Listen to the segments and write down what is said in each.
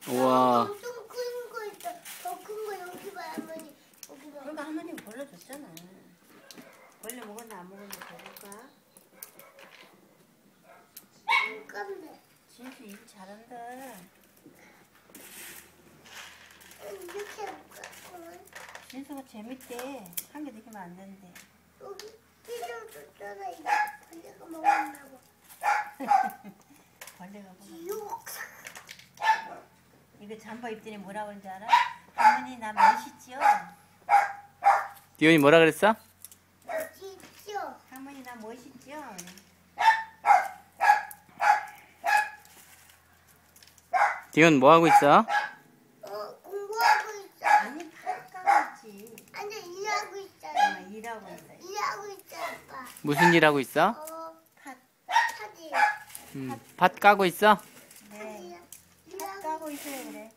우와. 엄청 큰 거 있다. 더 큰 거 여기 봐 할머니. 여기 봐. 그러니까 할머니 골라줬잖아. 원래 먹었나 안 먹었나 볼까? 깜깜해. 진수 일 잘한다. 이렇게 해볼까? 진수가 재밌대. 한 개 드시면 안 되는데. 여기 삐져 줬잖아. 이거 벌레가 먹었나 봐. 벌레가 먹어. 지옥. 이거 잠바 입더니 뭐라 그러는지 알아? 할머니 나 멋있지요? 디온이 뭐라 그랬어? 멋있죠? 할머니 나 멋있지요? 디온 뭐 하고 있어? 공부하고 있어. 아니 팥 까고 있지. 아니 일하고 있어. 일하고 있어. 일하고 있어 아빠. 무슨 일 하고 있어? 팥. 파지. 팥 까고 있어? 네. 팥 일하고 까고 있어요 그래.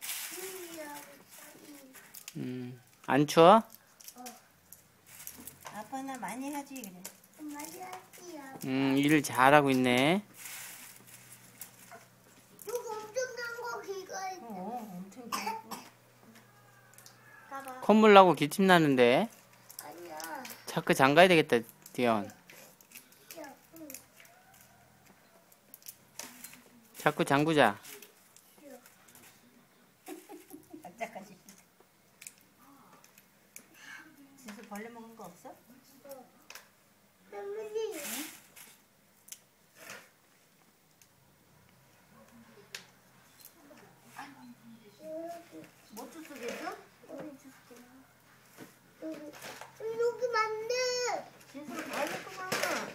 있어. 안 추워? 아빠나 많이 하지 그래. 많이 할게요. 일 잘하고 있네. 이거 엄청난 거 기가 있어. 엄청 귀엽고. 까봐. 콧물 나고 기침 나는데 아니야. 자꾸 장가야 되겠다, 디온. 야, 응. 자꾸 잠그자. 짝짝하지. 진수 벌레 먹은 거 없어? 할머니. 뭐 주스겠어? 여기 맞네. 진수가 다 했구나.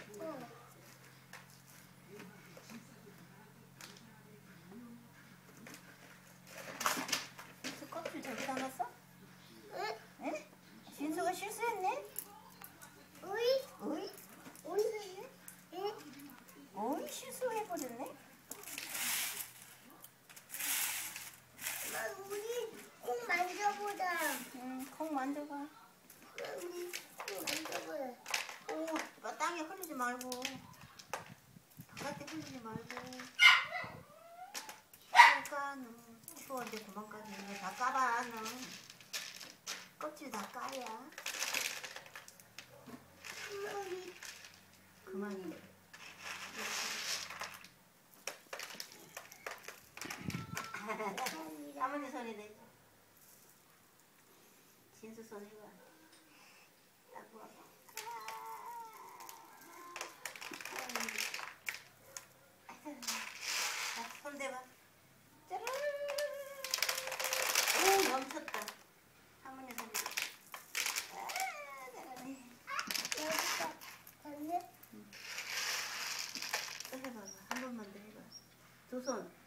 진수 껍질 저기 담았어? 응? 응? 진수가 실수했네? 어이? 어이? 어이? 응? 어이 실수해버렸네? 엄마, 우리 꼭 만져보자. 응, 콩 만져봐. 우리 꼭 만져보자. 오, 땅에 흘리지 말고. 바깥에 흘리지 말고. 그러니까 추워 이제 그만 까지. 이거 다 까봐 너. 껍질 다 까야. 우리 그만이. 할머니 손이 돼. 진수 손 해봐. 딱 보아봐. 자, 손 대봐. 짜란. 오, 넘쳤다. 할머니 손 대봐. 잘하네. 여기다 됐네? 또 해봐봐. 한 번만 더 해봐. 두 손.